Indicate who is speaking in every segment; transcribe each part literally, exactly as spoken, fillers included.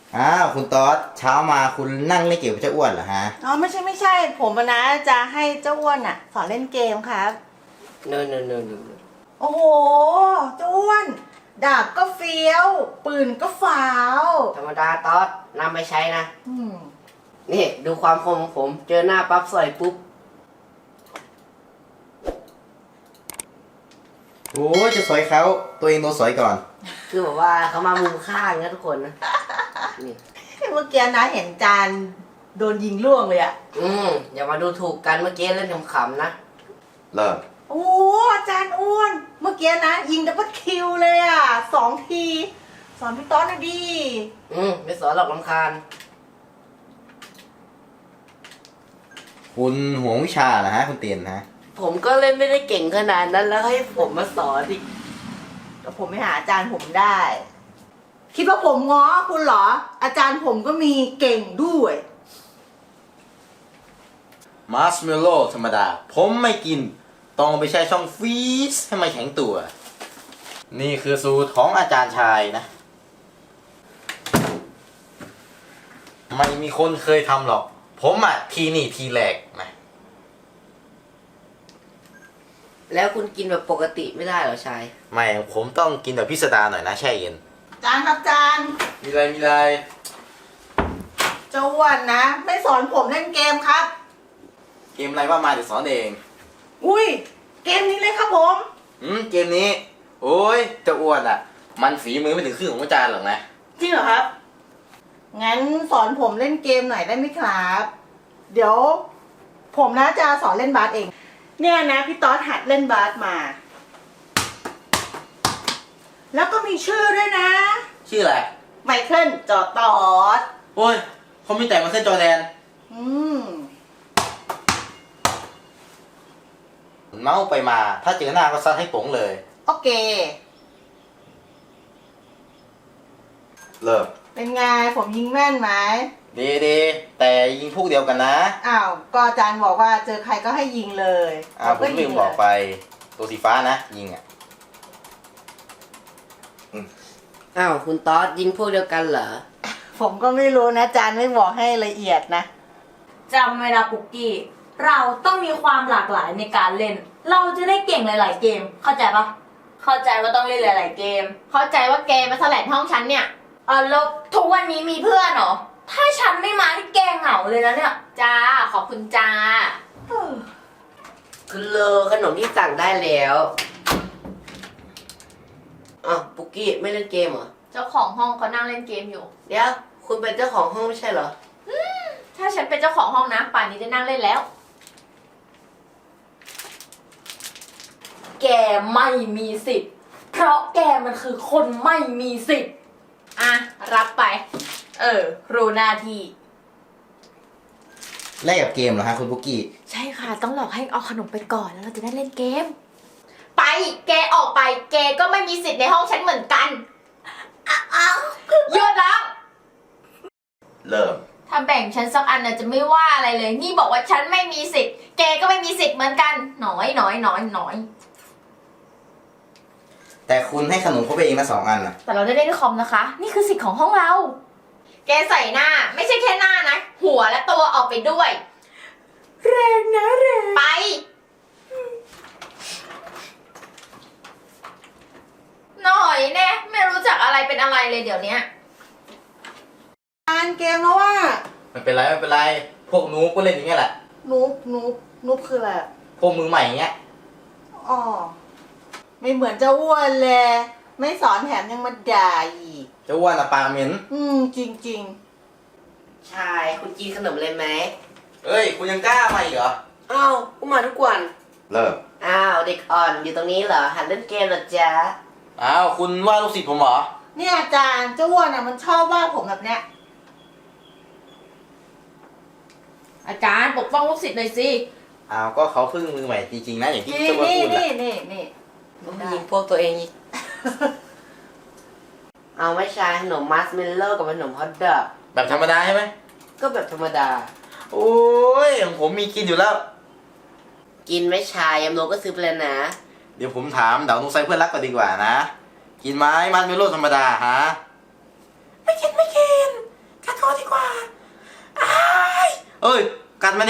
Speaker 1: อ้าวคุณต๊อดเช้ามาคุณนั่งเล่นเกมกับเจ้าอ้วนเหรอฮะ
Speaker 2: อ๋อไม่ใช่ไม่ใช่ผมอะนะจะให้เจ้าอ้วนอ่ะสอนเล่นเกมครับ
Speaker 3: no no no no
Speaker 2: โอ้โหเจ้าอ้วนดาบก็เฟี้ยว ปืนก็ฝาว
Speaker 3: ธรรมดาต๊อดนำไปใช้นะ
Speaker 2: อืม
Speaker 3: นี่ดูความคมของผม เจอหน้าปั๊บสอยปุ๊บ
Speaker 1: โอ้ยจะสอยเขาตัวเองโดนสอยก่อน
Speaker 3: คือแบบว่าเขามามุมข้างนะทุกคนนะนี่
Speaker 2: เมื่อกี้นะเห็นจานโดนยิงล่วงเลยอะ
Speaker 3: อืมอย่ามาดูถูกกันเมื่อกี้เล่นขำๆนะ
Speaker 1: เริ่ม
Speaker 2: โอ้อาจารย์อ้วน เมื่อกี้นะ ยิงดับเบิลคิวเลยอะสองที สอนพี่ต๊อดหน่อยดิ
Speaker 3: อืมไม่สอนหรอกลำคาญ
Speaker 1: คุณห่วงวิชาเหรอฮะคุณเตียนฮะ
Speaker 3: ผมก็เล่นไม่ได้เก่งขนาดนั้นแล้วให้ผมมาสอนอีก
Speaker 2: แต่ผมไม่หาอาจารย์ผมได้ คิดว่าผมง้อคุณเหรอ อาจารย์ผมก็มีเก่งด้วย
Speaker 1: มาร์ชเมลโล่ธรรมดา ผมไม่กิน ต้องเอาไปใช้ช่องฟรีซให้มันแข็งตัว นี่คือสูตรของอาจารย์ชายนะ ไม่มีคนเคยทำหรอก ผมอ่ะทีนี่ทีแรกนะ
Speaker 3: แล้วคุณกินแบบปกติไม่ได้เหรอชาย
Speaker 1: ไม่ ผมต้องกินแบบพิสดารหน่อยนะแช่เย็น
Speaker 2: อาจารย์ครับอาจารย์
Speaker 1: มีอะไรมีอะไร
Speaker 2: เจ้าอ้วนนะ ไม่สอนผมเล่นเกมครับ
Speaker 1: เกมอะไรว่ามาเดี๋ยวสอนเอง
Speaker 2: อุ้ย เกมนี้เลยครับผม
Speaker 1: อืมเกมนี้ โอ้ยเจะอ้วนอ่ะ มันฝีมือไม่ถึงครึ่งของอาจารย์หรอกนะ
Speaker 2: จริงเหรอครับ งั้นสอนผมเล่นเกมหน่อยได้ไหมครับ เดี๋ยว ผมนะจะสอนเล่นบาสเอง เนี่ยนะพี่ต๊อดหัดเล่นบาสมา แล้วก็มีชื่อด้วยนะ
Speaker 1: ชื่ออะไร
Speaker 2: ไมเคิลจอตอด
Speaker 1: โอ้ยเขามีแต่มาขึ้นจอแดน
Speaker 2: อืม
Speaker 1: เมาส์ไปมา ถ้าเจอหน้าก็ซัดให้ป๋งเลย
Speaker 2: โอเค
Speaker 1: เริ่ม
Speaker 2: เป็นไงผมยิงแม่นไหม
Speaker 1: ดีดีแต่ยิงพวกเดียวกันนะ
Speaker 2: อ้าว ก็อาจารย์บอกว่าเจอใครก็ให้ยิงเลย
Speaker 1: อ้าวผมลืมบอกไป
Speaker 2: เลย
Speaker 1: ตัวสีฟ้านะ ยิงอ่ะ
Speaker 3: อ้าวคุณต๊อดยิงพวกเดียวกันเหรอ
Speaker 2: ผมก็ไม่รู้นะอาจารย์ไม่บอกให้ละเอียดนะ
Speaker 4: จำไว้นะปุกกี้ เราต้องมีความหลากหลายในการเล่น เราจะได้เก่งหลาย ๆ เกม เข้าใจปะเข้าใจว่าต้องเล่นหลาย ๆ เกม เข้าใจว่าเกมมาแสลงห้องฉันเนี่ยเออแล้วทุกวันนี้มีเพื่อนเหรอ ถ้าฉันไม่มาที่แกเหงาเลยนะเนี่ย จ้า ขอบคุณจ้า
Speaker 3: คือเลอขนมที่สั่งได้แล้วอ้าวปุกกี้ไม่เล่นเกมเหรอ
Speaker 4: เจ้าของห้องเขานั่งเล่นเกมอยู่
Speaker 3: เดี๋ยวคุณเป็นเจ้าของห้องไม่ใช่เหรอ
Speaker 4: ถ้าฉันเป็นเจ้าของห้องนะป่านนี้ได้นั่งเล่นแล้ว แกไม่มีสิทธิ์ เพราะแกมันคือคนไม่มีสิทธิ์ อ่ะ รับไป เออ รู้หน้าที่
Speaker 1: แลกกับเกมเหรอฮะคุณบุกกี้
Speaker 4: ใช่ค่ะ ต้องหลอกให้เอาขนมไปก่อนแล้วเราจะได้เล่นเกม ไป แกออกไป แกก็ไม่มีสิทธิ์ในห้องฉันเหมือนกันอ้าวหยุดแล้ว
Speaker 1: เริ่ม
Speaker 4: ถ้าแบ่งฉันสักอันน่ะจะไม่ว่าอะไรเลย นี่บอกว่าฉันไม่มีสิทธิ์ แกก็ไม่มีสิทธิ์เหมือนกัน หน้อยหน้อยหน้อยหน้อย
Speaker 1: แต่คุณให้ขนมเขาไปเองนะสองอันนะ
Speaker 4: แต่เราได้เล่นคอมนะคะ นี่คือสิทธิ์ของห้องเรา แกใส่หน้า ไม่ใช่แค่หน้านะ หัวและตัวออกไปด้วย
Speaker 2: แรงนะแรง
Speaker 4: ไป หน่อยแน่ไม่รู้จักอะไรเป็นอะไรเลยเดี๋ยวนี้
Speaker 2: อ่านเกมแล้วว่า
Speaker 1: ไม่เป็นไรไม่เป็นไร พวกนูก็เล่นอย่างเงี้ยแหละ
Speaker 2: นุบนุบนุบคืออะไรอะ
Speaker 1: พวกมือใหม่อย่างเงี้ย
Speaker 2: อ๋อ ไม่เหมือนเจ้าอ้วนเลย ไม่สอนแถมยังมาด่าอีก
Speaker 1: เจะอ้วนอะปากเหม็น
Speaker 2: อืม จริงจริง
Speaker 3: ชายคุณกินขนมเลยไหม
Speaker 1: เอ้ย คุณยังกล้ามาอีกเหรอ
Speaker 3: อ้าวกูมาทุกวัน
Speaker 1: เริ่ม
Speaker 3: อ้าวเด็กอ่อนอยู่ตรงนี้เหรอหัดเล่นเกมเหรอจ๊ะ
Speaker 1: อ้าวคุณว่าลูกศิษย์ผมเหรอ
Speaker 2: ๆเนี่ยอาจารย์เจ้าอ้วนอ่ะมันชอบว่าผมแบบเนี้ย
Speaker 4: อาจารย์ปกป้องลูกศิษย์หน่อยสิ
Speaker 1: อ้าวก็เขาเพิ่งมือใหม่จริงๆนะอย่างที่
Speaker 2: นี่
Speaker 1: เจ้าอ้วน
Speaker 2: นี่
Speaker 1: พูด
Speaker 2: นี่
Speaker 1: อะ
Speaker 2: นี่นี่
Speaker 3: ยิงพวกตัวเองอีก เอาไม่ใช่ขนมมัสเมลโล่กับขนมฮอทดอก
Speaker 1: แบบธรรมดาใช่ไหม
Speaker 3: ก็แบบธรรมดา
Speaker 1: โอ้ยของผมมีกินอยู่แล้ว
Speaker 3: กินไม่ชายยำโลก็ซื้อไปแล้วนะ
Speaker 1: เดี๋ยวผมถามเดานุ้งไซเพื่อนรักก่อนดีกว่านะ กินไหมมันเมโลธรรมดาฮะ
Speaker 2: ไม่กินไม่กิน
Speaker 1: กัดมาดิ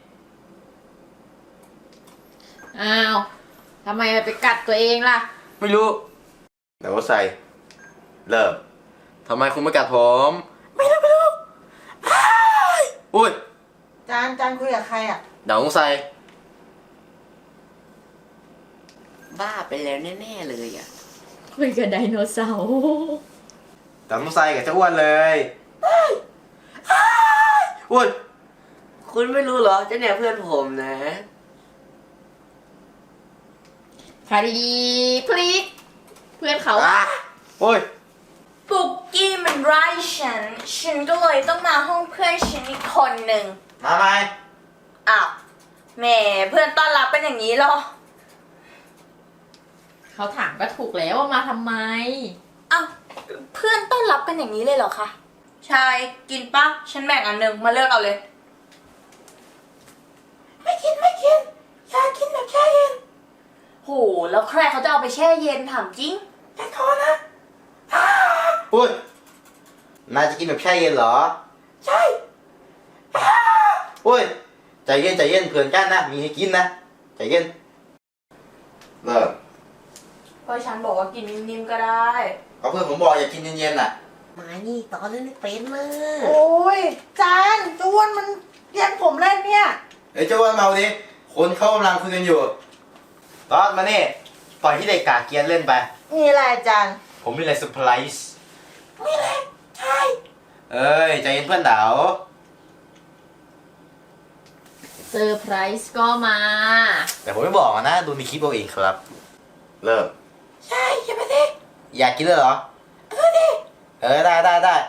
Speaker 4: อ้าวทำไมไปกัดตัวเองล่ะ
Speaker 1: ไม่รู้เดี๋ยวใส่เริ่มทำไมคุณไม่กัดผม ไม่รู้ไม่รู้อ้ายอุ้ย
Speaker 2: จานจานคุยกับใครอ่ะ
Speaker 1: เดี๋ยวใส่
Speaker 3: บ้าไปแล้วแน่ๆเลยอ่ะ
Speaker 4: คุยกับไดโนเสาร์
Speaker 1: เดี๋ยวใส่กับเจ้าอ้วนเลยอ้ายอ้ายอุ้ย
Speaker 3: คุณไม่รู้เหรอเจ้าเนี่ยเพื่อนผมนะ
Speaker 4: คดีพลิก เพื่อนเขา
Speaker 1: อ่ะโอ้ย
Speaker 4: ปุกกี้มันไล่ฉัน ฉันก็เลยต้องมาห้องเพื่อนฉันอีกคนหนึ่ง
Speaker 1: มาไหม
Speaker 4: อ้าวแหมเพื่อนต้อนรับเป็นอย่างนี้เหรอ เขาถามก็ถูกแล้วว่ามาทำไม อ้าวเพื่อนต้อนรับกันอย่างนี้เลยเหรอคะใช่กินปะฉันแบ่งอันหนึ่งมาเลือกเอาเลย ไม่กินไม่กินอยากกินแบบแช่เย็นโหแล้วใครเขาจะเอาไปแช่เย็นถามจริงอย่าโทษนะ
Speaker 1: อุ้ยนายจะกินแบบแช่เย็นเหรอ
Speaker 4: ใช่
Speaker 1: อุ้ยใจเย็นใจเย็นเผื่อนกันนะมีให้กินนะใจเย็นเริ่ม
Speaker 4: ก็ฉันบอกว่ากินนิ่มๆก็ได้
Speaker 1: ก็เพื่อนผมบอกอย่ากินเย็นๆน่ะ
Speaker 3: มานี่ตอนเล่นไม่เป็นเลย
Speaker 2: โอ้ยจานจวนมันแย่งผมเล่นเนี่ย
Speaker 1: เอ้ยเจ้าอ้วนเมาดิคนเขากำลังคุยกันอยู่ตอนมานี่ปล่อยที่เด็กกาเกียนเล่นไป
Speaker 2: มีอะไรจาน
Speaker 1: ผมมีอะไรเซอร์ไพรส์มีอะไรใช่เอ้ยใจเย็นเพื่อนดาว
Speaker 4: เซอร์ไพรส์ก็มา
Speaker 1: แต่ผมไม่บอกนะดูในคลิปเอาเองครับ เริ่มใช่อย่าไปดิอยากกินเลยเหรอเออดิเออได้ได้ได้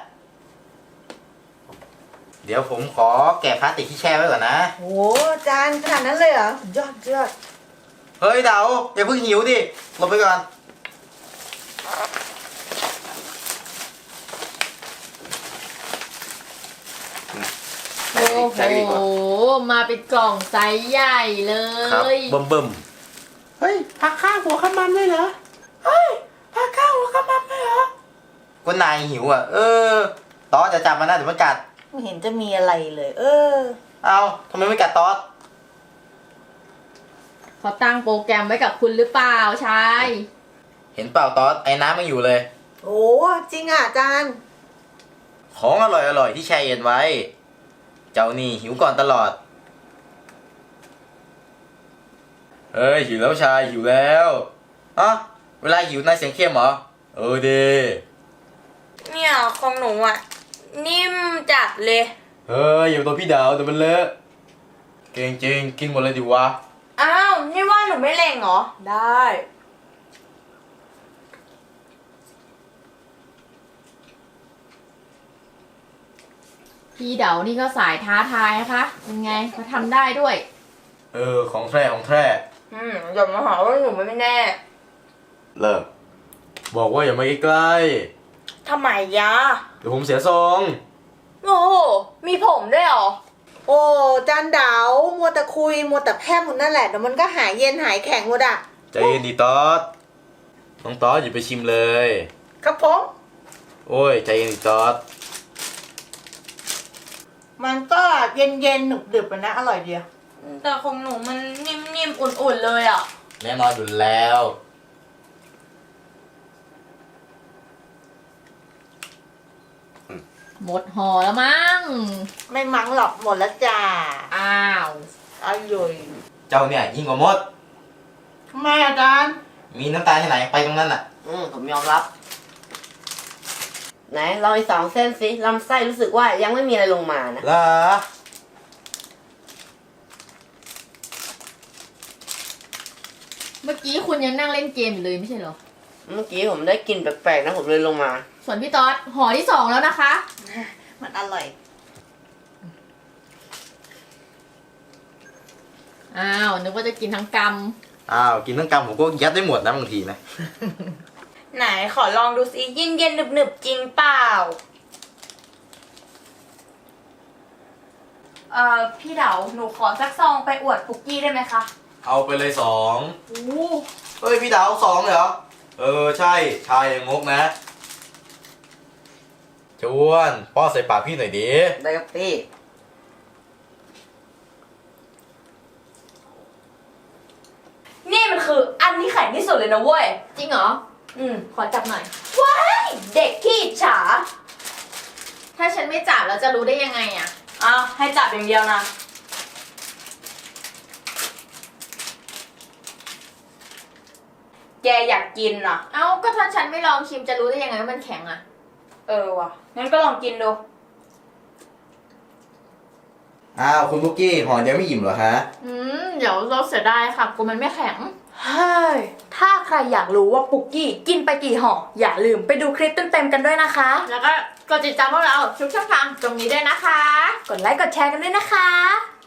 Speaker 1: เดี๋ยวผมขอแกะพลาสติกที่แช่ไว้ก่อนนะ
Speaker 2: โอ้จานขนาดนั้นเลยเหรอยอดยอด
Speaker 1: เฮ้ยดาวอย่าเพิ่งหิวดิหลบไปก่อน
Speaker 4: โอ้โห มาเป็นกล่องไซส์ใหญ่เล
Speaker 1: ครับ
Speaker 4: ย
Speaker 1: เบิ่มเบิ่มเฮ้ยผักข้าวหัวขมันด้วยเหรอเฮ้ยผักข้าวหัวขมันด้วยเหรอก็นายหิวอ่ะเออตอสจะจับมันนะเดี๋ยวมันกัด
Speaker 2: ไม่เห็นจะมีอะไรเลย เออ
Speaker 1: เอาทำไมไม่กัดตอส
Speaker 4: เขาตั้งโปรแกรมไว้กับคุณหรือเปล่าชาย
Speaker 1: เห็นเปล่าตอสไอ้น้ำไม่อยู่เลย
Speaker 2: โอ้จริงอ่ะจาน
Speaker 1: ของอร่อยอร่อยที่แช่เย็นไว้ เจ้านี่หิวก่อนตลอดเฮ้ยหิวแล้วชายหิวแล้วอ่ะเวลาหิวนายเสียงเข้มเหรอเออเด
Speaker 4: เนี่ยของหนูอ่ะ นิ่มจัดเลย
Speaker 1: เฮ้ยอย่าตัวพี่ดาวแต่มันเลอะเก่งจริงกินหมดเลยดิวะ
Speaker 4: อ้าว นี่ว่าหนูไม่เล่งเหรอ ได้ พี่เด๋านี่ก็สายท้าทายนะคะยังไงเขาทำได้ด้วย
Speaker 1: เออของแท้ของแท้
Speaker 4: อืมอย่ามาหาว่าหนูไม่แน่
Speaker 1: เริ่มบอกว่าอย่ามาใกล้
Speaker 4: ทำไมยะ
Speaker 1: ๆเดี๋ยวผมเสียทรง
Speaker 4: โอ้โห มีผมด้วยเหรอ
Speaker 2: โอ้จานดาวมัวแต่คุยมัวแต่แพร่มหมดนั่นแหละเดี๋ยวมันก็หายเย็นหายแข็งหมดอ่ะ
Speaker 1: ใจเย็นดีตอสน้องตอสอย่าไปชิมเลย
Speaker 2: ครับผม
Speaker 1: โอ้ยใจเย็นดีตอส
Speaker 2: มันก็เย็นเย็นๆหนึบดึบๆนะอร่อยเดียว
Speaker 4: แต่ของหนูมันนิ่มๆ อุ่นๆ เลยอ่ะ
Speaker 1: แน่นอนอยู่แล้ว
Speaker 4: หมดห่อแล้วมั้ง
Speaker 2: ไม่มั้งหรอกหมดแล้วจ้า
Speaker 4: อ้าว
Speaker 2: อร่อย
Speaker 1: เจ้าเนี่ยยิ่งกว่ามด
Speaker 2: ทำไมอาจารย์
Speaker 1: มีน้ำตาลที่ไหนไปตรงนั้นน่ะ
Speaker 3: อืมผมยอมรับ ไหนลองอีกสองเส้นสิลำไส้รู้สึกว่ายังไม่มีอะไรลงมานะ
Speaker 1: เหรอ
Speaker 4: เมื่อกี้คุณยังนั่งเล่นเกมอยู่เลยไม่ใช่เหรอ
Speaker 3: เมื่อกี้ผมได้กลิ่นแปลกๆนะผมเลยลงมา
Speaker 4: ส่วนพี่ต๊อดห่อที่สองแล้วนะคะ
Speaker 2: มันอร่อย
Speaker 4: อ้าว นึกว่าจะกินทั้งก
Speaker 1: อ้าวกินทั้งกำผมก็ยัดได้หมดนะบางทีนะ
Speaker 4: ำ ไหนขอลองดูสิเย็นเย็นหนึบหนึบๆ จริงเปล่า เอ่อ พี่เด๋าหนูขอสักซองไปอวดปุกกี้ได้ไหมคะ
Speaker 1: เอาไปเลยสอง
Speaker 4: โอ้
Speaker 1: เฮ้ยพี่ดาวสองเลยเหรอ เออใช่ชายอย่างงกนะจวนป้อนใส่ปากพี่หน่อยดิ
Speaker 3: ได้ครับพี่
Speaker 4: ที่สุดเลยนะเว้ย
Speaker 5: จริงเหรอ
Speaker 4: อืม ขอจับหน่อย ว้าย เด็กขี้อิจฉา
Speaker 5: ถ้าฉันไม่จับแล้วจะรู้ได้ยังไงอะ
Speaker 4: เอาให้จับอย่างเดียวนะ แกอยากกินเหรอ
Speaker 5: เอ้าก็ถ้าฉันไม่ลองชิมจะรู้ได้ยังไงว่ามันแข็งอะ
Speaker 4: เออว่ะ งั้นก็ลองกินดู
Speaker 1: อ้าวคุณบุกกี้ห่อเดียวไม่อิ่มเหรอคะ
Speaker 5: อืมเดี๋ยวเราเสียดายค่ะกูมันไม่แข็ง
Speaker 4: เฮ้ย ถ้าใครอยากรู้ว่าปุกกี้กินไปกี่ห่อ อย่าลืมไปดูคลิปเต็มๆกันด้วยนะคะ
Speaker 5: แล้วก็กดติดตามพวกเราทุกช่องทางตรงนี้ด้วยนะคะ
Speaker 4: กดไลค์กดแชร์กันด้วยนะคะ